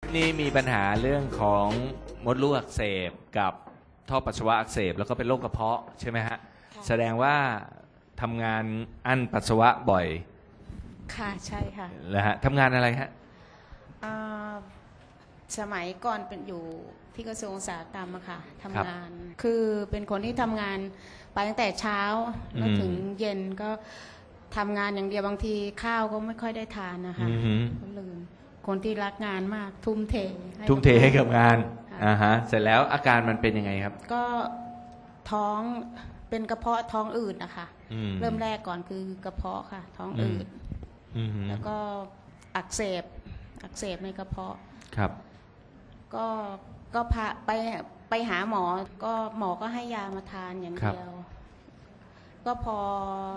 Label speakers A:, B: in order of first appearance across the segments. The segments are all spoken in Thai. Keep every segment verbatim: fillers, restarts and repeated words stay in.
A: นี่มีปัญหาเรื่องของมดลูกอักเสบกับท่อปัสสาวะอักเสบแล้วก็เป็นโรคกระเพาะใช่ไหมฮะแสดงว่าทำงานอั้นปัสสาวะบ่อย
B: ค่ะใช่ค่ะ
A: แล้วฮะทำงานอะไรฮะ
B: สมัยก่อนเป็นอยู่ที่กระทรวงอุตสาหกรรมอะค่ะทำงานคือเป็นคนที่ทำงานไปตั้งแต่เช้าแล้วถึงเย็นก็ทำงานอย่างเดียวบางทีข้าวก็ไม่ค่อยได้ทานนะคะก็ลืมคนที่รักงานมากทุ่มเท
A: ทุ่มเทให้กับงานอ่าฮะเสร็จแล้วอาการมันเป็นยังไงครับ
B: ก็ท้องเป็นกระเพาะท้องอืดนะคะเริ่มแรกก่อนคือกระเพาะค่ะท้องอืดแล้วก็อักเสบอักเสบในกระเพาะ
A: ครับ
B: ก็ก็พาไปไปหาหมอก็หมอก็ให้ยามาทานอย่างเดียวก็พอ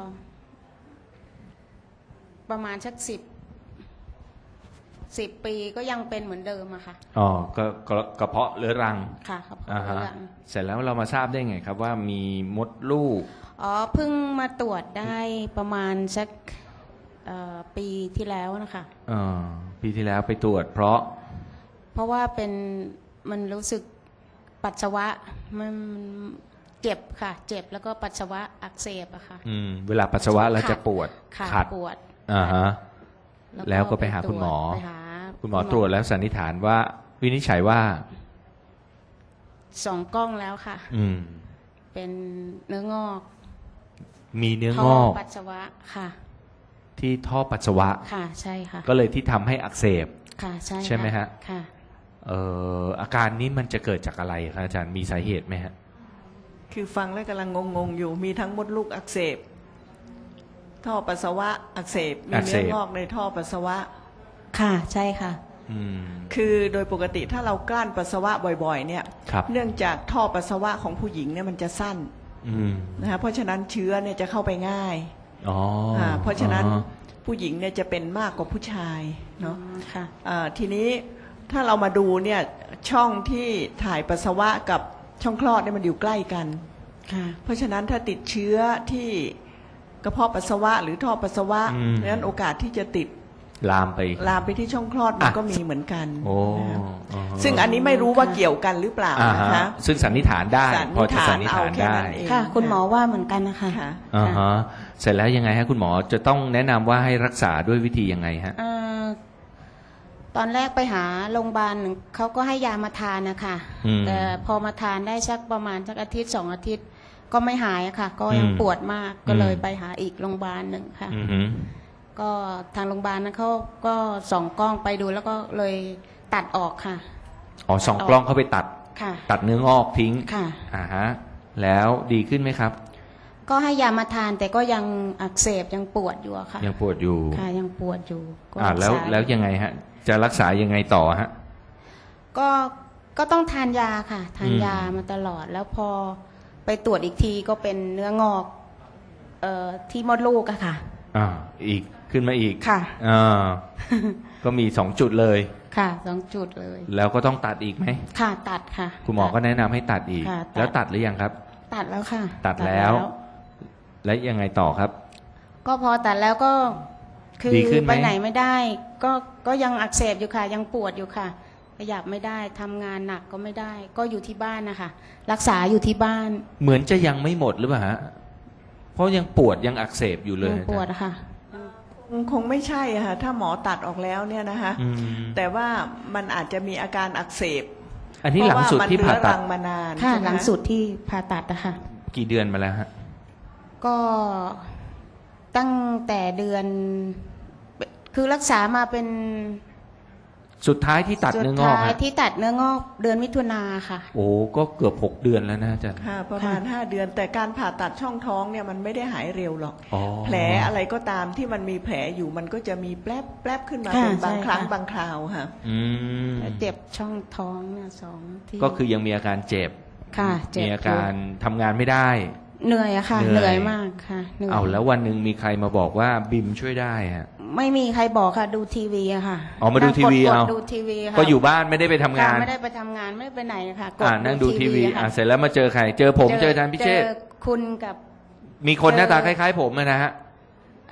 B: ประมาณสักสิบสิบปีก็ยังเป็นเหมือนเดิมอะค่ะ
A: อ๋อก็กระเพาะเรื้อรัง
B: ค่ะกระเพาะเรื้อรัง
A: เสร็จแล้วเรามาทราบได้ไงครับว่ามีมดลูก
B: อ๋อเพิ่งมาตรวจได้ประมาณสักปีที่แล้วนะคะ
A: อ๋อปีที่แล้วไปตรวจเพราะ
B: เพราะว่าเป็นมันรู้สึกปัสสาวะมันเจ็บค่ะเจ็บแล้วก็ปัสสาวะอักเสบอะค่ะ
A: อืมเวลาปัสสาวะเราจะปวด
B: ขัดปวด
A: อ่าฮะแล้วก็ไปหาคุณหมอคุณหมอตรวจแล้วสันนิษฐานว่าวินิจฉัยว่า
B: สองกล้องแล้วค่ะ
A: อืม
B: เป็นเนื้องอก
A: มีเนื้องอก
B: ปัสสาวะค่ะ
A: ที่ท่อปัสสาวะ
B: ค่ะใช่ค่ะ
A: ก็เลยที่ทำให้อักเสบ
B: ค่ะใช่
A: ใช่ไหมฮะ
B: ค่ะ
A: เอ่ออาการนี้มันจะเกิดจากอะไรครับอาจารย์มีสาเหตุไหมฮะ
C: คือฟังแล้วกำลังงงๆอยู่มีทั้งมดลูกอักเสบท่อปัสสาวะอักเสบมีเนื้องอกในท่อปัสสาวะ
B: ค่ะใช่ค่ะ
C: คือโดยปกติถ้าเรากลั้นปัสสาวะบ่อยๆเนี่ยเนื่องจากท่อปัสสาวะของผู้หญิงเนี่ยมันจะสั้นนะคะเพราะฉะนั้นเชื้อเนี่ยจะเข้าไปง่าย
A: อ๋อ
C: เพราะฉะนั้นผู้หญิงเนี่ยจะเป็นมากกว่าผู้ชายเนาะ
B: ค่ะ
C: ทีนี้ถ้าเรามาดูเนี่ยช่องที่ถ่ายปัสสาวะกับช่องคลอดเนี่ยมันอยู่ใกล้กันเพราะฉะนั้นถ้าติดเชื้อที่กระเพาะปัสสาวะหรือท่อปัสสาวะนั้นโอกาสที่จะติด
A: ลามไป
C: ลามไปที่ช่องคลอดมันก็มีเหมือนกัน
A: โอ้
C: ซึ่งอันนี้ไม่รู้ว่าเกี่ยวกันหรือเปล่านะคะ
A: ซึ่งสันนิษฐานได้พอจะสันนิษฐานได้
B: ค่ะคุณหมอว่าเหมือนกันนะคะ
A: อ่าฮะเสร็จแล้วยังไงฮะคุณหมอจะต้องแนะนำว่าให้รักษาด้วยวิธียังไงฮะ
B: ตอนแรกไปหาโรงพยาบาลเขาก็ให้ยามาทานนะคะแต่พอมาทานได้สักประมาณสักอาทิตย์สองอาทิตย์ก็ไม่หายค่ะก็ยังปวดมากก็เลยไปหาอีกโรงพยาบาลหนึ่งค่ะก็ทางโรงพยาบาลนั้นเขาก็ส่องกล้องไปดูแล้วก็เลยตัดออกค่ะ
A: อ๋อส่องกล้องเข้าไปตัด
B: ค่ะ
A: ตัดเนื้องอกทิ้ง
B: ค่ะ
A: อ่าฮะแล้วดีขึ้นไหมครับ
B: ก็ให้ยามาทานแต่ก็ยังอักเสบยังปวดอยู่ค่ะ
A: ยังปวดอยู่
B: ค่ะยังปวดอยู่
A: อ่าแล้วแล้วยังไงฮะจะรักษายังไงต่อฮะ
B: ก็ก็ต้องทานยาค่ะทานยามาตลอดแล้วพอไปตรวจอีกทีก็เป็นเนื้องอกเอ่อที่มดลูกอะค่ะ
A: อ่าอีกขึ้นมาอีก
B: ค่ะ
A: อ่าก็มีสองจุดเลย
B: ค่ะสองจุดเลย
A: แล้วก็ต้องตัดอีกไหม
B: ค่ะตัดค่ะ
A: คุณหมอก็แนะนำให้ตัดอีกแล้วตัดหรือยังครับ
B: ตัดแล้วค่ะ
A: ตัดแล้วแล้วยังไงต่อครับ
B: ก็พอตัดแล้วก็คือไปไหนไม่ได้ก็ก็ยังอักเสบอยู่ค่ะยังปวดอยู่ค่ะขยับไม่ได้ทำงานหนักก็ไม่ได้ก็อยู่ที่บ้านนะคะรักษาอยู่ที่บ้าน
A: เหมือนจะยังไม่หมดหรือเปล่าฮะเพราะยังปวดยังอักเสบอยู่เลย
B: ปวดค่ะ
C: คงไม่ใช่ค่ะถ้าหมอตัดออกแล้วเนี่ยนะคะแต่ว่ามันอาจจะมีอาการอักเสบ
A: อันนี้หลังสุดที่ผ่าตัด
C: มานาน
B: ค่ะหลังสุดที่ผ่าตัดนะคะ
A: กี่เดือนมาแล้วฮะ
B: ก็ตั้งแต่เดือนคือรักษามาเป็น
A: สุดท้ายที่ตัดเนื้องอก
B: สุดท้ายที่ตัดเนื้องอกเดือนมิถุนาค่ะ
A: โอ้ก็เกือบหกเดือนแล้วนะอาจารย์
C: ค่ะประมาณห้าเดือนแต่การผ่าตัดช่องท้องเนี่ยมันไม่ได้หายเร็วหรอกแผลอะไรก็ตามที่มันมีแผลอยู่มันก็จะมีแป๊บแป๊บขึ้นมาเป็นบางครั้งบางคราวค่ะ
B: เจ็บช่องท้องเนี่ยสองที่
A: ก็คือยังมีอาการเจ็บ
B: ค่ะ
A: มีอาการทำงานไม่ได้
B: เหนื่อยอะค่ะเหนื่อยมากค่ะ
A: เอาแล้ววันหนึ่งมีใครมาบอกว่าบิมช่วยได้ฮะ
B: ไม่มีใครบอกค่ะดูทีวีอะค่ะ
A: อ๋อมาดูทีวีเอา
B: ดูทีวีค่ะ
A: ก็อยู่บ้านไม่ได้ไปทำงาน
B: ไม่ได้ไปทำงานไม่ได้ไปไหนค่ะ
A: กดนั่งดูทีวีอ่าเสร็จแล้วมาเจอใครเจอผมเจออาจารย์พิเชษ
B: คุณกับ
A: มีคนหน้าตาคล้ายๆผมนะฮะ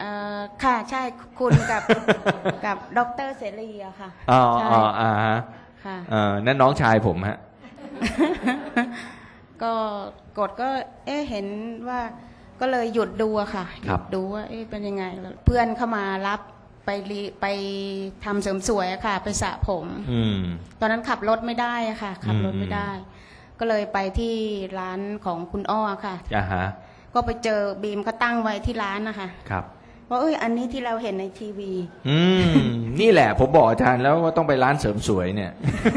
B: ค่ะใช่คุณกับกับดร.เสรีอะค่ะ
A: อ๋ออ๋ออ่า
B: ค่ะ
A: เอ่อนั่นน้องชายผมฮะ
B: ก็กดก็ เอ๊ะเห็นว่าก็เลยหยุดดูอะค่ะห
A: ครั
B: ยุ
A: บ
B: ดดูว่าเอ๊ะเป็นยังไงแล้วเพื่อนเข้ามารับไปรีไปทำเสริมสวยอะค่ะ ไปสระผม
A: อืม
B: ตอนนั้นขับรถไม่ได้อะค่ะ ขับรถไม่ได้ ก็เลยไปที่ร้านของคุณอ้อค่ะ
A: อ่าฮะ
B: ก็ไปเจอบีมเขาตั้งไว้ที่ร้านนะคะ
A: ครับ
B: ว่าเอ้ยอันนี้ที่เราเห็นในทีวี
A: อืม นี่แหละ ผมบอกอาจารย์แล้วว่าต้องไปร้านเสริมสวยเนี่ย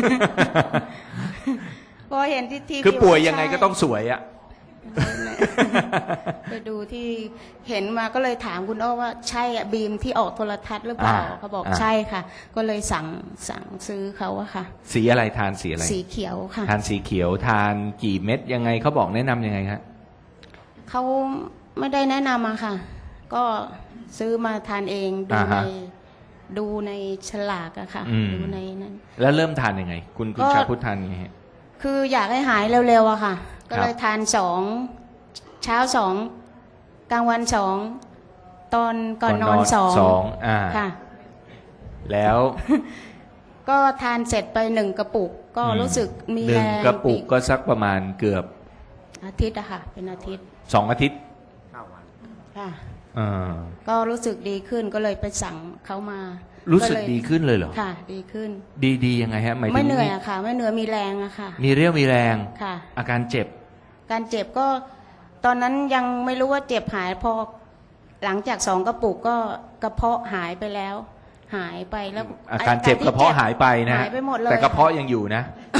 B: พอเห็นที่ทีวี
A: คือป่วยยังไงก็ต้องสวยอะ
B: ไปดูที่เห็นมาก็เลยถามคุณอ้อว่าใช่อะบีมที่ออกโทรทัศน์หรือเปล่า
A: อ่า
B: เขาบอก
A: อ่า
B: ใช่ค่ะ ก็เลยสั่งสั่งซื้อเขาอะค่ะ
A: สีอะไรทานสีอะไร
B: สีเขียวค่ะ
A: ทานสีเขียวทานกี่เม็ดยังไงเขาบอกแนะนำยังไงครับ
B: เขาไม่ได้แนะนำอะค่ะ ก็ซื้อมาทานเองดู
A: อ่า
B: ใน
A: ฮะ
B: ดูในฉลากอะค่ะ
A: อืม
B: ดูในนั้น
A: แล้วเริ่มทานยังไง คุณคุณ
B: ก็
A: ชาพุทธทานยังไงฮะ
B: คืออยากให้หายเร็วๆอะค่ะ ก็เลยทานสองเช้าสองกลางวันสองตอนก่อนนอนสอง
A: สองอ่า
B: ค่ะ
A: แล้ว
B: ก็ทานเสร็จไปหนึ่งกระปุก ก็
A: อืม
B: รู้สึกมี
A: หนึ่
B: แรง ง
A: กระปุก
B: อี
A: ก็สักประมาณเกือบ
B: อาทิตย์อะค่ะ เป็นอาทิตย์
A: สองอาทิตย์
B: ค่ะ
A: อ่า
B: ก็รู้สึกดีขึ้นก็เลยไปสั่งเขามา
A: รู้สึก
B: เลย
A: ดีขึ้นเลยเหรอ
B: ค่ะ ดีขึ้น
A: ดีดียังไงฮะหมายถึง
B: ไม่เหนื่อยอะค่ะ ไม่เหนื่อยมีแรงอะค่ะ
A: มีเรี่ยวมีแรง
B: ค่ะ
A: อาการเจ็บ
B: การเจ็บก็ตอนนั้นยังไม่รู้ว่าเจ็บหายพอหลังจากสองกระปุกก็กระเพาะหายไปแล้ว หายไปแล้ว
A: อาการเจ็บกระเพาะหายไปนะฮะ
B: หายไปหมดเลย
A: แต่กระเพาะยังอยู่นะ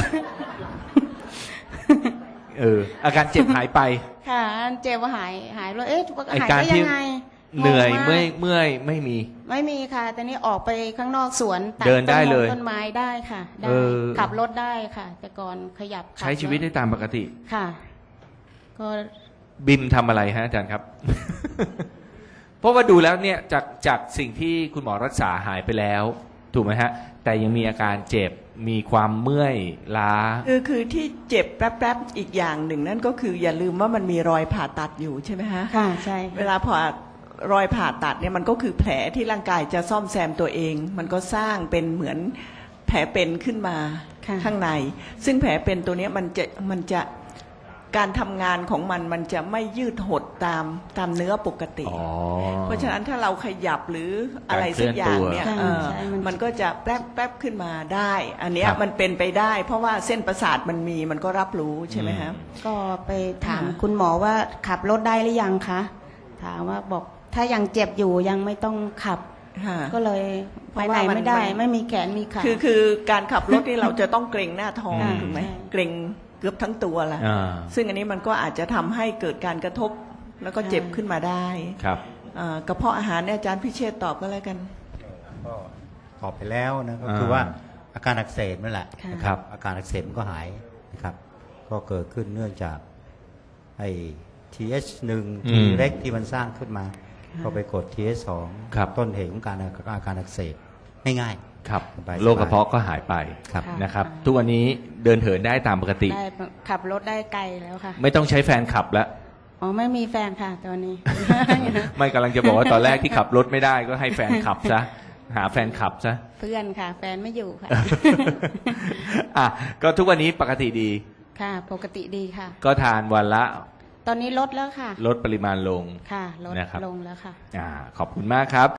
A: เออ อาการเจ็บหายไป
B: ค่ะเจ็บว่าหายหายเลยเอ๊ะ
A: ไอ้
B: หาย
A: การ
B: ได้
A: ที่
B: ยังไง
A: เหนื่อย
B: งงาก
A: เมื่อยเมื่อยไม่มี
B: ไม่มีค่ะแต่นี่ออกไปข้างนอกสวนตั
A: เดินได้
B: ต้มง
A: เลย
B: ต้นไม้ได้ค่ะได้
A: เออ
B: ขับรถได้ค่ะ แต่ก่อนขยับขับ
A: ใช้ชีวิตได้ตามปกติ
B: ค่ะ ก็
A: บิมทำอะไรฮะอาจารย์ครับ เพราะว่าดูแล้วเนี่ยจากจากสิ่งที่คุณหมอรักษาหายไปแล้ว ถูกไหมฮะ แต่ยังมีอาการเจ็บมีความเมื่อยล้า
C: คือคือที่เจ็บแป๊บๆอีกอย่างหนึ่งนั่นก็คืออย่าลืมว่ามันมีรอยผ่าตัดอยู่ใช่ไหมฮะ
B: ค่ะใช่
C: เวลาผ่ารอยผ่าตัดเนี่ยมันก็คือแผลที่ร่างกายจะซ่อมแซมตัวเอง มันก็สร้างเป็นเหมือนแผลเป็นขึ้นมา
B: ค่ะ
C: ข้างใน ซึ่งแผลเป็นตัวเนี้ยมันจะมันจะการทำงานของมันมันจะไม่ยืดหดตามตามเนื้อปกติ
A: อ๋อ
C: เพราะฉะนั้นถ้าเราขยับหรืออะไรสักอย่างเนี่ย
B: การเค
C: เอ
B: ลื่อนตัว
C: อ
B: ใช่มัน
C: มันก็จะแป๊บแป๊บขึ้นมาได้ อันเนี้ย
A: ครับ
C: มันเป็นไปได้ เพราะว่าเส้นประสาทมันมีมันก็รับรู้ใช่ไหมฮะ
B: ก็ไปถาม
C: ค่ะ
B: คุณหมอว่าขับรถได้หรือยังคะถามว่าบอกถ้ายังเจ็บอยู่ยังไม่ต้องขับ
C: ค่ะ
B: ก็เลย
C: เพ
B: ไป
C: ราะ
B: ไหน
C: ว่ามัน
B: ไม่ได้
C: มัน
B: ไม่มีแขนมีขา
C: คือคือการขับรถนี่เราจะต้องเกรงหน้าท้อง
A: อืม
C: ถูกไหม
B: ใช่
C: เกรงเกือบทั้งตัวแหละ
A: อ่า
C: ซึ่งอันนี้มันก็อาจจะทำให้เกิดการกระทบแล้วก็เจ็บขึ้นมาได้
A: ครับ
C: อ่ากระเพาะอาหารเนี่ยอาจารย์พิเชษฐ์ตอบก็แล้วกัน
D: ก็ตอบไปแล้วนะก็
A: อ่า
D: คือว่าอาการอักเสบนั่นแหละ
B: ค่ะ
D: นะครับอาการอักเสบมันก็หายนะครับ ก็เกิดขึ้นเนื่องจากไอ้ ที เอช หนึ่ง
A: อื
D: ที
A: ม
D: เล็กที่มันสร้างขึ้นมา ก็ไปกด ที เอช สอง
A: ครับ
D: ต้นเหตุของการอาการอักเสบง่าย
A: ครับ
D: สบายๆ
A: โรคกระเพาะก็หายไป
D: ครับ
B: ค่ะ
A: นะครับ ทุกวันนี้เดินเหินได้ตามปกติ
B: ได้ขับรถได้ไกลแล้วค่ะ
A: ไม่ต้องใช้แฟนขับแล้ว
B: อ๋อไม่มีแฟนค่ะตอนนี้
A: ไม่กำลังจะบอกว่าตอนแรกที่ขับรถไม่ได้ก็ให้แฟนขับซะ หาแฟนขับซะ
B: เพื่อนค่ะ แฟนไม่อยู่ค่ะ
A: อ่ะก็ทุกวันนี้ปกติดี
B: ค่ะ ปกติดีค่ะ
A: ก็ทานวันละ
B: ตอนนี้ลดแล้วค่ะ
A: ลดปริมาณลง
B: ค่ะลด
A: นะครับ
B: ลงแล้วค่ะ
A: อ่าขอบคุณมากครับ